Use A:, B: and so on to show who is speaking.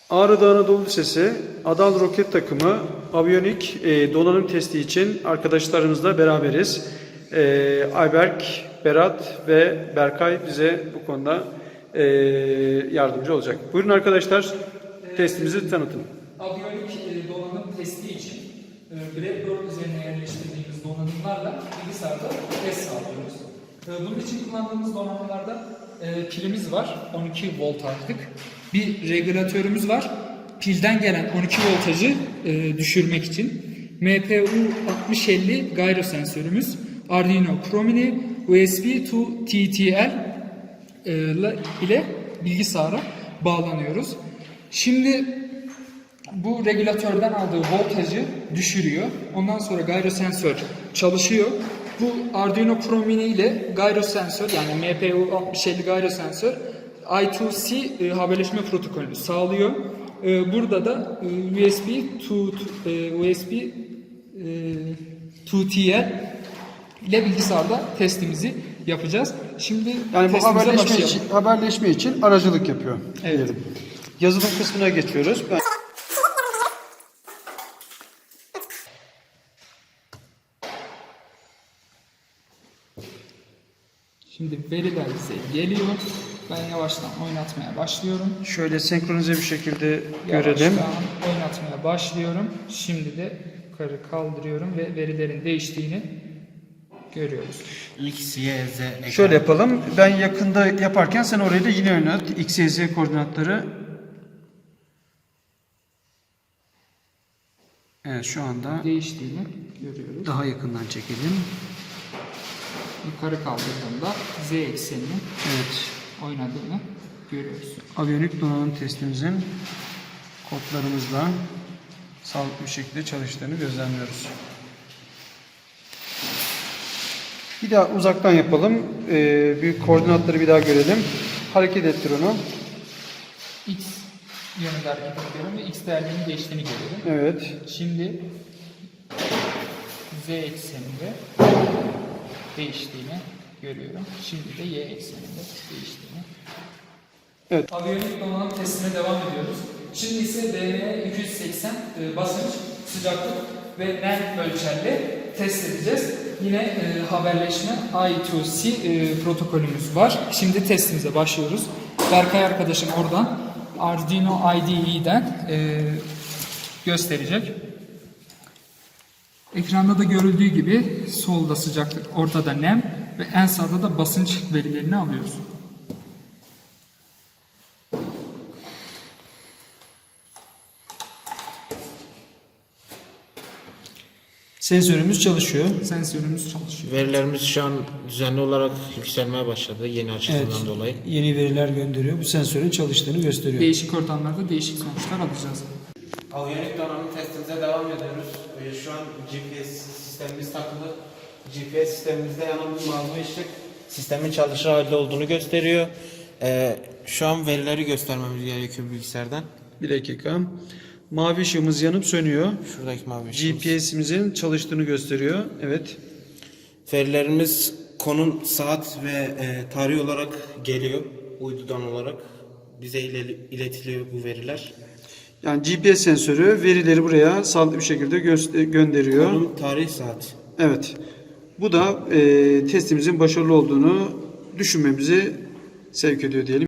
A: Ağrı Anadolu Lisesi Adal Roket Takımı aviyonik donanım testi için arkadaşlarımızla beraberiz. Ayberk, Berat ve Berkay bize bu konuda yardımcı olacak. Buyurun arkadaşlar, testimizi tanıtın.
B: Aviyonik donanım testi için Blackboard üzerine yerleştirdiğimiz donanımlarla bilgisayarda test sağlıyoruz. Bunun için kullandığımız donanımlarda pilimiz var, 12 volt artık. Bir regülatörümüz var, pilden gelen 12 voltajı düşürmek için. MPU 6050 gyro sensörümüz, Arduino Chromini, USB to TTL ile bilgisayara bağlanıyoruz. Şimdi bu regülatörden aldığı voltajı düşürüyor. Ondan sonra gyro sensör çalışıyor. Bu Arduino Chromini ile gyro sensör, yani MPU 6050 gyro sensör I2C haberleşme protokolünü sağlıyor. Burada da USB to TL ile bilgisayarda testimizi yapacağız. Şimdi
A: Yani bu
B: testimize
A: haberleşme için aracılık yapıyor.
B: Evet.
A: Diyelim. Yazılım kısmına geçiyoruz.
B: Şimdi veriler bize geliyor. Ben yavaştan oynatmaya başlıyorum.
A: Şöyle senkronize bir şekilde
B: Yavaştan
A: görelim.
B: oynatmaya başlıyorum. Şimdi de yukarı kaldırıyorum ve verilerin değiştiğini görüyoruz.
C: X, Y, Z ekran.
A: Şöyle yapalım. Ben yakında yaparken sen orayı da yine oynat. X, Y, Z koordinatları. Evet, şu anda
B: Değiştiğini görüyoruz.
A: daha yakından çekelim.
B: Yukarı kaldırdığımda Z ekseninin
A: Evet.
B: oynadığını görüyoruz.
A: Aviyonik donanım testimizin kodlarımızla sağlıklı bir şekilde çalıştığını gözlemliyoruz. Bir daha uzaktan yapalım. Bir koordinatları bir daha görelim. Hareket ettir onu.
B: X yönünde hareket ediyorum ve X değerlerinin değiştiğini görüyorum.
A: Evet.
B: Şimdi Z ekseninde değiştiğini görüyorum. Şimdi de Y ekseninde değiştiğini.
A: Evet.
B: Aviyonik donanım testine devam ediyoruz. Şimdi ise DM 280 basınç, sıcaklık ve nem ölçerle test edeceğiz. Yine haberleşme I2C protokolümüz var. Şimdi testimize başlıyoruz. Berkay arkadaşım oradan Arduino IDE'den gösterecek. Ekranda da görüldüğü gibi solda sıcaklık, ortada nem ve en sağda da basınç verilerini alıyoruz.
A: Sensörümüz çalışıyor.
B: Sensörümüz çalışıyor.
C: Verilerimiz şu an düzenli olarak yükselmeye başladı yeni açılımdan dolayı.
A: Yeni veriler gönderiyor. Bu sensörün çalıştığını gösteriyor.
B: Değişik ortamlarda değişik sonuçlar alacağız.
C: Aviyonik donanım testimize devam ediyoruz. Şu an GPS sistemimiz takılı. GPS sistemimizde yanan bir mavi ışık sistemin çalışır halde olduğunu gösteriyor. Şu an verileri göstermemiz gerekiyor bilgisayardan.
A: Bir dakika. Mavi ışığımız yanıp sönüyor.
C: Şuradaki mavi ışığımız.
A: GPS'imizin çalıştığını gösteriyor. Evet.
C: Verilerimiz konum, saat ve tarih olarak geliyor. Uydudan olarak bize iletiliyor bu veriler.
A: Yani GPS sensörü verileri buraya sağlıklı bir şekilde gönderiyor.
C: Konum, tarih, saat.
A: Evet. Bu da testimizin başarılı olduğunu düşünmemizi sevk ediyor diyelim.